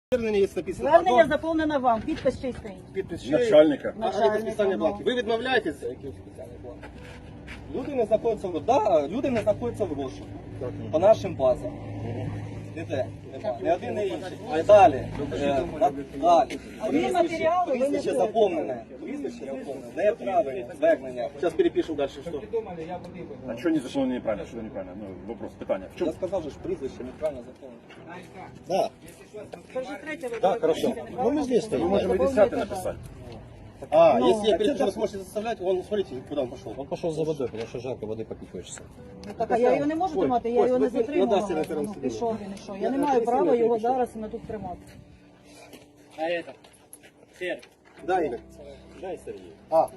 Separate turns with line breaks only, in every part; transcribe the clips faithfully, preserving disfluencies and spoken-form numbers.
Звернення є написано.
Звернення заповнено вам. Підпис чий стоїть?
Підпис ще-
Начальника.
А а підписання бланків. Ви відмовляєтеся яким спеціальним бланком? Люди не знаходяться в да, люди не знаходяться в розшуку. По нашим базам. Ніде. Нема. Не один, не інший. А далі. Е, на- Далі.
А є матеріали, ви не
Прізвище
знаєте.
заповнене. Прізвище заповнене. Неправильне звернення. Зараз перепишу далі, що.
А что не зашло неправильно? Что неправильно? Ну, вопрос, питание. В чем?
Я сказав, що ж прізвище неправильно заповнене. Да.
Це вже третє ви
Так, хорошо.
Ну, ми здесь
Мы можем и десятый написать.
А,
Ну,
если я перед вы сможете заставлять, он, смотрите, куда он пошел.
Он пошел за водой, потому что жарко, воды попить хочется.
Ну, так, а я його не можу
Ой,
тримати, я
ось,
його не
ви- ви
затримувала.
надасться на первому
Ну,
суді.
пішов він і що. Я
Я
не
на
маю
первому
права
суді
його
пішов.
зараз на тут тримати.
А это? Сер.
Да, Игорь.
Дай, Сергей.
А.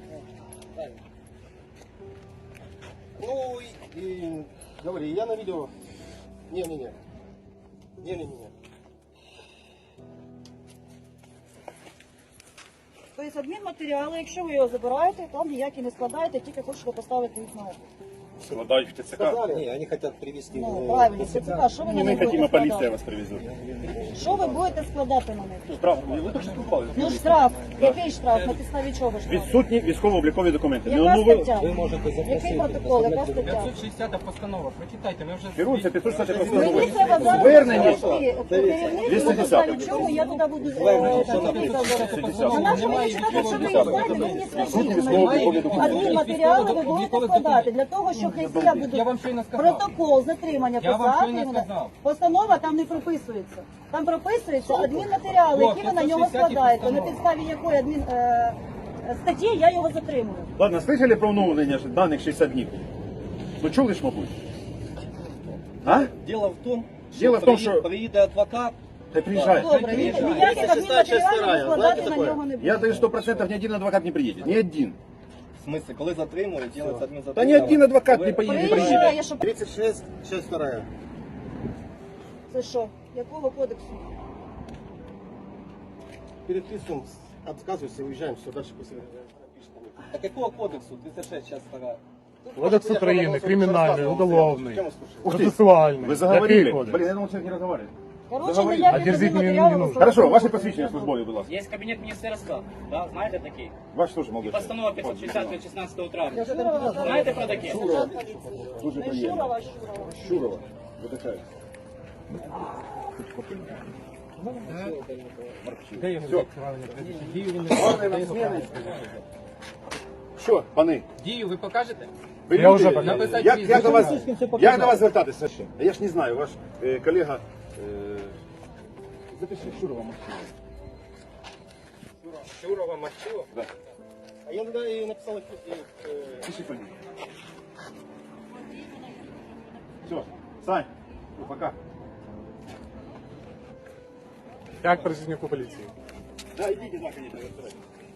Ну, и, и говори, я на видео. Не-не-не. Не-не-не.
Тобто адмінматеріали, якщо ви його забираєте, там ніякі не складаєте, тільки хочете поставити їх на облік.
Складай в ТЦК.
Не, они хотят привезти.
Ну,
э,
правильно, це така, що ви на
Не мы
них
хотим, а
будете
полиция
складати?
вас привезет.
Що ви будете складати на них?
Штраф. Ви точно спілкували?
Ну штраф. Який штраф? На підставі чого штраф?
Відсутні військово-облікові документи.
Яка
Ну, ви...
стаття?
Вы можете запросить.
Який протокол, яка стаття?
пятьсот шестьдесят постанова. Прочитайте, ми вже...
Керується п'ятсот шістдесят постанова.
Мені треба зараз
Звернення.
знайти керівництво, на підставі чого я туди буду е,
шістдесят.
На нашому мені читати, що ви їх знаєте, ви мені
Відсутні
скажіть.
військово-облікові документи.
Адмінматеріали ви будете складати для того, що хай я буду
Я вам щойно сказав.
протокол затримання
Я вам щойно
писати.
сказав.
Постанова там не прописується. Там прописується адмінматеріали, які ви на нього
п'ятсот шістдесят
складаєте. На
постанова.
підставі якої адмін е, статті я його затримую.
Ладно, слышали про оновлення ж даних шістдесят днів? Ну чули ж, мабуть? А?
Дело в том,
Дело в том, що-
приїде адвокат.
Хай приїжджає.
Добре, ні- ніяких
тридцять шестая часть
адмінматеріалів
вторая.
складати
Знаєте
на
таке?
нього не
Я
буде.
даю сто процентов, ни один адвокат не приедет. Ни один.
В смысле, коли затримують, делается
Да
адмінзатримання.
ни один адвокат не поедет, не приедет.
Приїжджає, щоб...
тридцать шесть, часть вторая.
Це що? Якого кодексу?
Переписываем, отказываемся, уезжаем, все, дальше после А какого кодексу? тридцать шесть, часть вторая.
Кодекс України, кримінальний, уголовний,
Чем вы слушаете?
Ух ты,
процесуальний.
Вы заговорили.
Який кодекс?
Блин, я думал, человек не разговаривает.
Коротше,
Заговорили.
ніяких
А дерзить мені не
адмінматеріалів
нужно.
складати
Хорошо,
не
ваше
буду.
посвящение службове, будь ласка.
Есть кабинет министерства, да, знаєте такий?
Ваш тоже молодой
Постанова
человек.
пятьсот шестьдесят від шістнадцятого травня.
Шурова,
Знаєте про таке?
Дуже
Не
приємно.
Шурова, Шурова.
Шурова. Видихає. Що, пани?
Дію ви покажете?
Ви
Я вже
люди?
показав.
Написати
Як,
прізвище.
як, до вас, як до вас звертатися ще? Я ж не знаю, ваш е, колега... Е, запиши, Шурова Максима.
Шурова, Мачева.
Да.
А я тогда и написал их, э,
Пиши фамилию. Все, Сань, ну, пока.
Як працівнику поліції?
Да, идите, да, конечно, разбирайтесь.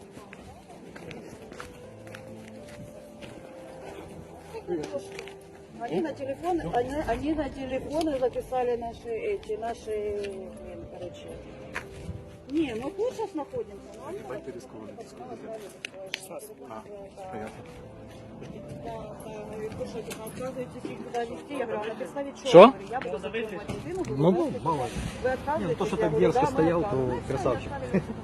Они на телефоны, они, они на телефоны записали наши эти, наши, блин, короче. Не, мы тут сейчас находимся. но они вот- Да, да, говорит, вы что, типа, отказываетесь их туда везти? Я говорю, а на подставе чего?
Что?
Я говорю, я буду затримывать машину, буду
Ну,
вести.
мало.
Вы отказываетесь?
то, что
Я
так
говорю,
дерзко
да, мы
стоял, то
отказываемся. Ну, и
красавчик.
оставили.